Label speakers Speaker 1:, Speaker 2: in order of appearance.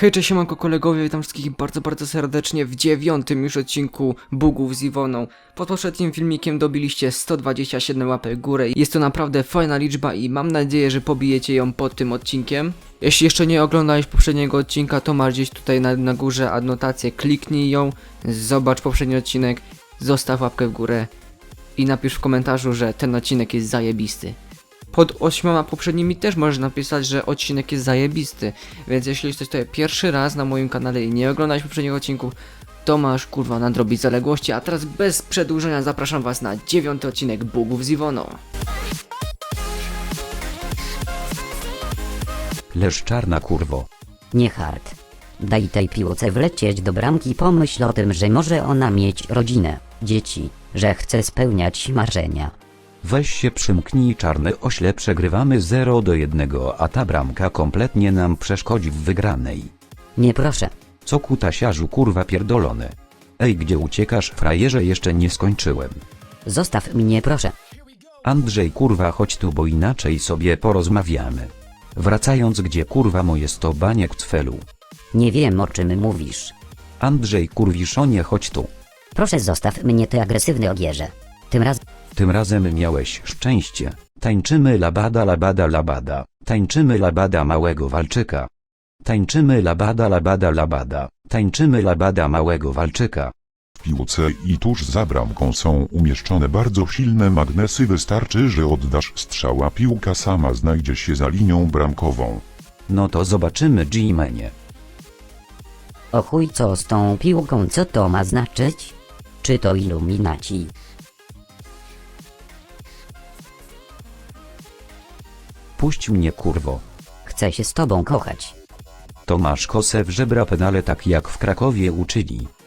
Speaker 1: Hej, cześć, siemanko kolegowie, witam wszystkich bardzo serdecznie w 9. już odcinku Bugów z Iwoną. Pod poprzednim filmikiem dobiliście 127 łapek w górę. Jest to naprawdę fajna liczba i mam nadzieję, że pobijecie ją pod tym odcinkiem. Jeśli jeszcze nie oglądałeś poprzedniego odcinka, to masz gdzieś tutaj na górze adnotację, kliknij ją, zobacz poprzedni odcinek, zostaw łapkę w górę i napisz w komentarzu, że ten odcinek jest zajebisty. Pod 8 poprzednimi też możesz napisać, że odcinek jest zajebisty, więc jeśli jesteś tutaj pierwszy raz na moim kanale i nie oglądałeś poprzedniego odcinku, to masz kurwa nadrobić zaległości, a teraz bez przedłużenia zapraszam was na 9. odcinek Bugów z Iwoną.
Speaker 2: Leż czarna kurwo.
Speaker 3: Nie hard. Daj tej piłce wlecieć do bramki, pomyśl o tym, że może ona mieć rodzinę, dzieci, że chce spełniać marzenia.
Speaker 2: Weź się przymknij, czarny ośle, przegrywamy 0-1, a ta bramka kompletnie nam przeszkodzi w wygranej.
Speaker 3: Nie proszę.
Speaker 2: Co kutasiarzu kurwa pierdolony. Ej, gdzie uciekasz, frajerze, jeszcze nie skończyłem.
Speaker 3: Zostaw mnie proszę.
Speaker 2: Andrzej kurwa, chodź tu, bo inaczej sobie porozmawiamy. Wracając, gdzie kurwa moje 100 baniek cfelu.
Speaker 3: Nie wiem, o czym mówisz.
Speaker 2: Andrzej kurwiszonie, chodź tu.
Speaker 3: Proszę zostaw mnie, ty agresywny ogierze.
Speaker 2: Tym razem miałeś szczęście. Tańczymy labada labada labada. Tańczymy labada małego walczyka. Tańczymy labada labada labada. Tańczymy labada małego walczyka.
Speaker 4: W piłce i tuż za bramką są umieszczone bardzo silne magnesy. Wystarczy, że oddasz strzała, piłka sama znajdzie się za linią bramkową.
Speaker 2: No to zobaczymy, G-manie.
Speaker 3: O chuj, co z tą piłką, co to ma znaczyć? Czy to iluminaci?
Speaker 2: Puść mnie kurwo.
Speaker 3: Chcę się z tobą kochać.
Speaker 2: To masz kosę w żebra, penale, tak jak w Krakowie uczyli.